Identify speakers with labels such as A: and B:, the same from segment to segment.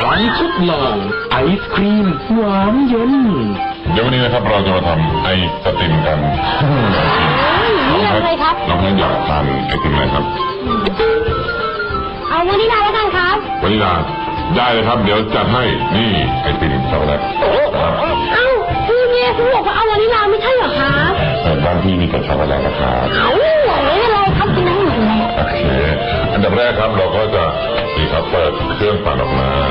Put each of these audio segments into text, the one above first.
A: การทดลองไอศครีมหวานเย็น
B: เดี๋ยววันนี้นะครับเราจะมาทำไอติมกัน
C: นี่อะไรครับ
B: น้องแพทอยากทานไอติมอะไรครับ
C: เอาวานิลลาแล้วกันครับ
B: วานิลลาได้เลยครับเดี๋ยวจัดให้นี่ไอติมช็อกโกแลต
C: เอ้าพี่เนี่ยคุณบอกว่าเอาวานิลลาไม่ใช่เหรอคะ
B: บ้านพี่มีแต่ช็อกโกแลตนะครับ
C: ไม่เป็นไรครับกินได้หมดเลย
B: โอเคอันดับแรกครับเราก็จะนี่ครับเปิดเครื่องปั่นออกมา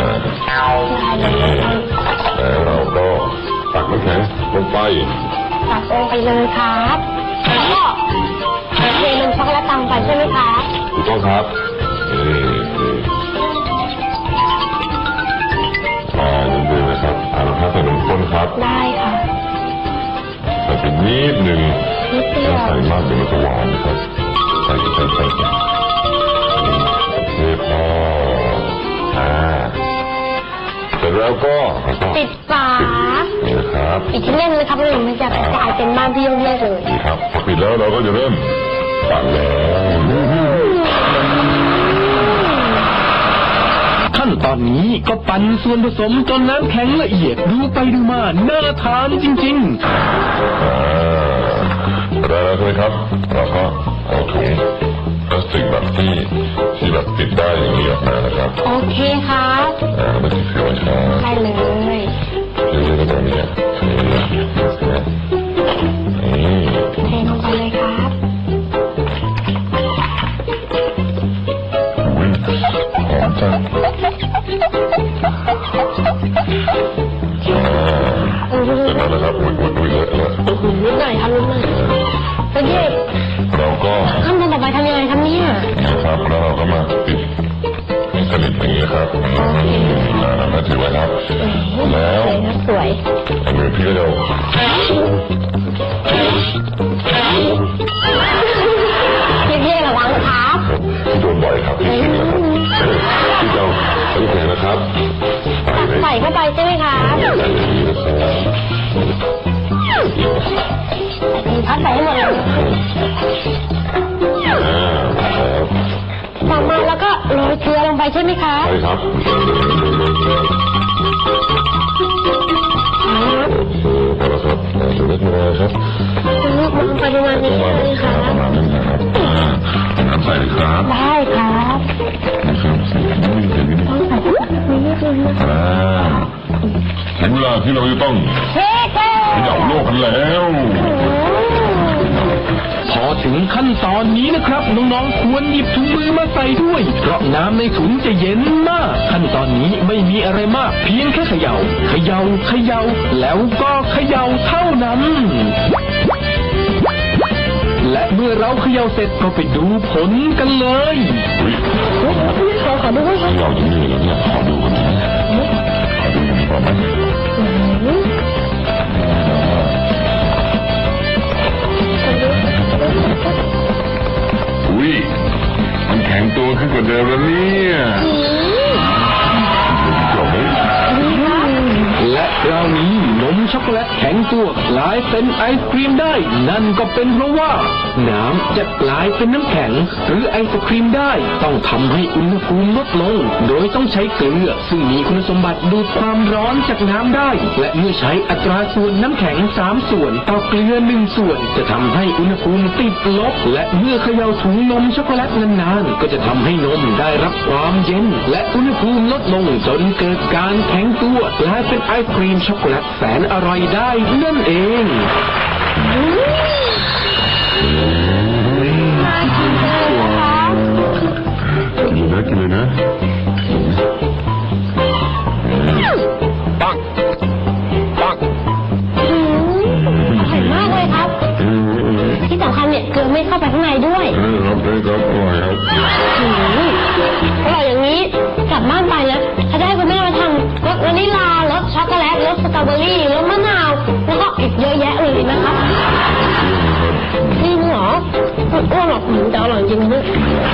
B: แล้วเราก็ตักน้ำแข็งลงไป
C: ตักลงไปเลยครับแล้วก็เทลงช็อกโกแลตตามไปใช่ไหมคะ
B: ถูกต้องครับเดือดๆนะครับเราถ้าใส่นมข้นครับ
C: ได้ค่ะ
B: ใส่ไปนิดหนึ่งถ้าใส่มากเดี๋ยวมันจะหวานนะครับใส่โอเคพอเสร็จแล้วก็
C: ปิดฝา
B: นี่นะครับ
C: ปิดที่เล่นเลยครับเลยมันจะกลายเป็นบ้านพี่ยงเล่เลย
B: นี่ครับพอปิดแล้วเราก็จะเริ่มปั่นแล้ว
A: ขั้นตอนนี้ก็ปั่นส่วนผสมจนน้ำแข็งละเอียดดูไปดูมาน่าทานจริง
B: ๆแล้วใช่ไหมครับเราก็เอาถุงพลาสติกแบบที่แบบติดได้อย่างนี้ออกมานะครับ
C: โอเคครับ
B: ไม่ติดเสียวช้า
C: ได้เลย
B: เรื่อยๆแบบนี้
C: เทลงไปเลยครับ
B: หอมจังเสร็จแล้วนะครับอุ้ยเลอะ
C: นิดหน่อยครับนิดหน่อยแล้วเด็ก
B: เราก็
C: ขั้นตอนต่อไปทำยังไงครับเนี่ย
B: นะครับแล้วเราก็มาปิดให้สนิทอย่างนี้ครับน่าถือไว้ครับแล้ว
C: สวย
B: อันนี้พี่ก็จะ
C: พี่ระวังครับ
B: โดนบ่อยครับพี่ชินแล้วครับพี่เจ้าตั้งใจนะครับ
C: ใส่เข้าไปใช่ไหมคะพัดใส่ให้หมดเลยต่อมาแล้วก็โรยเกลือลงไปใช่ไหมคะ
B: ใช่ครับพอแล้วครับเล็กน้อยครับ
C: ปริมาณนี้เลยค่ะ
B: ประมาณนี้นะครับน้ำใส่เลยครับ
C: ได้ครับ
B: นะครับใส่นิดนึงถึงเวลาที่เราจะต้องเขย่าโลกกันแล้ว
A: พอถึงขั้นตอนนี้นะครับน้องๆควรหยิบถุงมือมาใส่ด้วยเพราะน้ำในถุงจะเย็นมากขั้นตอนนี้ไม่มีอะไรมากเพียงแค่เขย่าแล้วก็เขย่าเท่านั้นและเมื่อเราเขย่าเสร็จก็ไปดูผลกันเลย
C: ขอดูด้วยครับ
B: เขย่าจริงๆแล้วเนี่ยขอดูกันนะขอดูอย่างนี้พอไหมอุ้ยมันแข็งตัวขึ้นกว่าเดิมแล้วเนี่ย
A: และคราวนี้นมช็อกโกแลตแข็งตัวกลายเป็นไอศครีมได้นั่นก็เป็นเพราะว่าน้ำจะกลายเป็นน้ำแข็งหรือไอศครีมได้ต้องทำให้อุณหภูมิลดลงโดยต้องใช้เกลือซึ่งมีคุณสมบัติดูดความร้อนจากน้ำได้และเมื่อใช้อัตราส่วนน้ำแข็ง3ส่วนต่อเกลือ1ส่วนจะทำให้อุณหภูมิติดลบและเมื่อเขย่าถุงนมช็อกโกแลตนานๆก็จะทำให้นมได้รับความเย็นและอุณหภูมิลดลงจนเกิดการแข็งตัวและเป็นไอศครีมช็อกโกแลตแสนอร่อยได้นั่นเอง
B: กินเลยนะ
C: ปังอร่อยมากเลยครับที่สำคัญเนี่ยเกลือไม่เข้าไปข้างในด้วย
B: ครับได้ครับอร่อยครับ
C: อร่อยอย่างนี้กลับบ้านไปนะถ้าได้คุณแม่